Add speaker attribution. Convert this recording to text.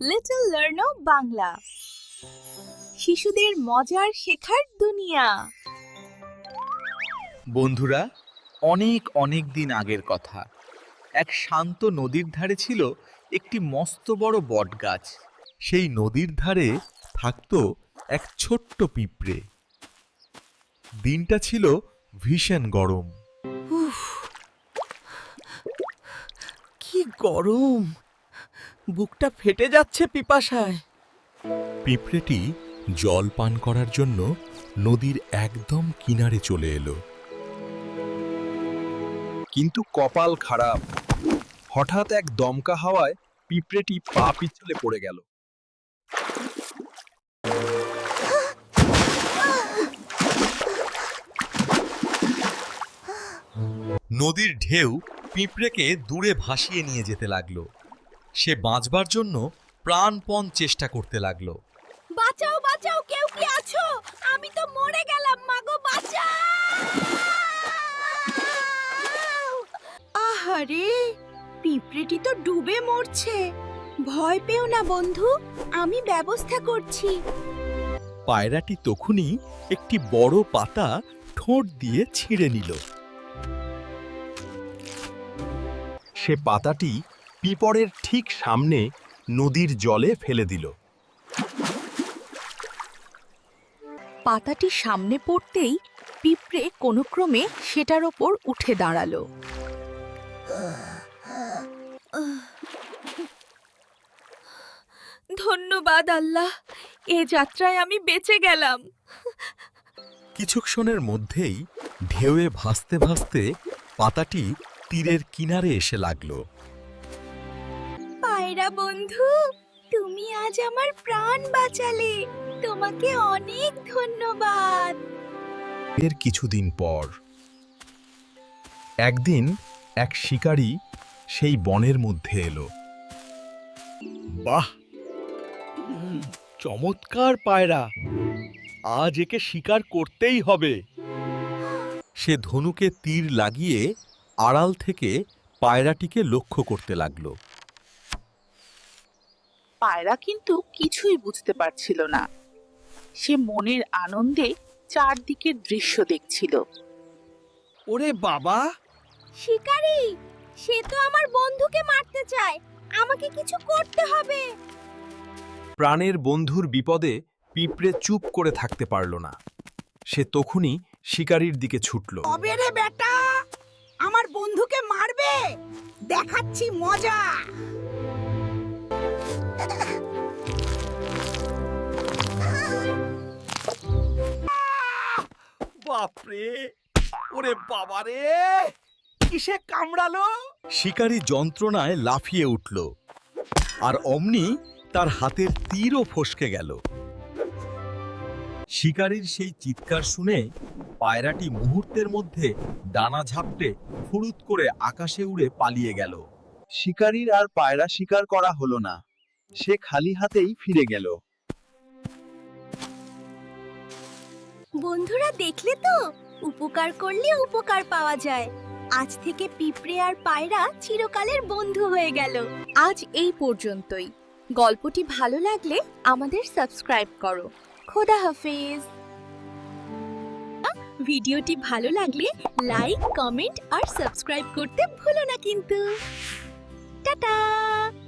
Speaker 1: Little লার্নো Bangla, শিশুদের মজার শেখার দুনিয়া।
Speaker 2: বন্ধুরা, অনেক অনেক দিন আগের কথা। এক শান্ত নদীর ধারে ছিল একটি মস্ত বড় বটগাছ। সেই নদীর ধারে থাকতো এক ছোট্ট পিঁপড়ে। দিনটা ছিল ভীষণ গরম।
Speaker 3: কি গরম! বুকটা ফেটে যাচ্ছে পিপাসায়।
Speaker 2: পিঁপড়েটি জল পান করার জন্য নদীর একদম কিনারে চলে এলো।
Speaker 4: কিন্তু কপাল খারাপ, হঠাৎ এক দমকা হাওয়ায় পিঁপড়েটি পা পিছলে পড়ে গেল।
Speaker 2: নদীর ঢেউ পিঁপড়েকে দূরে ভাসিয়ে নিয়ে যেতে লাগলো। সে বাঁচবার জন্য প্রাণপণ চেষ্টা করতে লাগলো।
Speaker 1: বাঁচাও বাঁচাও, কেউ কি আছো? আমি তো মরে গেলাম, মাগো বাঁচাও! আহারে, পিঁপড়েটি তো ডুবে মরছে। ভয় পেও না বন্ধু, আমি ব্যবস্থা করছি।
Speaker 2: পায়রাটি তখনই একটি বড় পাতা ঠোঁট দিয়ে ছিঁড়ে নিল।
Speaker 4: সে পাতাটি পিঁপড়ের ঠিক সামনে নদীর জলে ফেলে দিল।
Speaker 1: পাতাটি সামনে পড়তেই পিঁপড়ে কোনো ক্রমে সেটার ওপর উঠে দাঁড়ালো। ধন্যবাদ আল্লাহ, এ যাত্রায় আমি বেঁচে গেলাম।
Speaker 2: কিছুক্ষণের মধ্যেই ঢেউয়ে ভাসতে ভাসতে পাতাটি তীরের কিনারে এসে লাগলো।
Speaker 1: পায়রা বন্ধু, তুমি আজ আমার প্রাণ বাঁচালে, তোমাকে অনেক ধন্যবাদ।
Speaker 4: এর কিছুদিন পর একদিন এক শিকারী সেই বনের মধ্যে এলো।
Speaker 2: বাহ, চমৎকার পায়রা! আজ একে শিকার করতেই হবে। সে ধনুকে তীর লাগিয়ে আড়াল থেকে পায়রাটিকে লক্ষ্য করতে লাগলো।
Speaker 5: পায়রা কিন্তু কিছুই বুঝতে পারছিল না। সে মনের আনন্দে চারদিকের দৃশ্য দেখছিল।
Speaker 3: ওরে বাবা!
Speaker 1: শিকারী, সে তো আমার বন্ধুকে মারতে চায়, আমাকে কিছু করতে হবে।
Speaker 4: প্রাণের বন্ধুর বিপদে পিঁপড়ে চুপ করে থাকতে পারল না। সে তখনই শিকারীর দিকে ছুটল।
Speaker 6: কবে রে বেটা, আমার বন্ধুকে মারবে? দেখাচ্ছি মজা।
Speaker 3: বাপরে! ওরে বাবারে! কিসে কামড়ালো?
Speaker 2: শিকারী যন্ত্রণায় লাফিয়ে উঠল, আর অমনি তার হাতের তীরও ফসকে গেল। শিকারীর সেই চিৎকার শুনে পায়রাটি মুহূর্তের মধ্যে ডানা ঝাপটে ফুরুত করে আকাশে উড়ে পালিয়ে গেল।
Speaker 4: শিকারীর আর পায়রা শিকার করা হলো না। সে খালি হাতেই ফিরে গেল।
Speaker 1: বন্ধুরা, দেখলে তো, উপকার করলে উপকার পাওয়া যায়। আজ থেকে পিঁপড়ে আর পায়রা চিরকালের বন্ধু হয়ে গেল। আজ এই পর্যন্তই। গল্পটি ভালো লাগলে আমাদের সাবস্ক্রাইব করো। খোদা হাফেজ। ভিডিওটি ভালো লাগলে লাইক, কমেন্ট আর সাবস্ক্রাইব করতে ভুলো না কিন্তু। টাটা।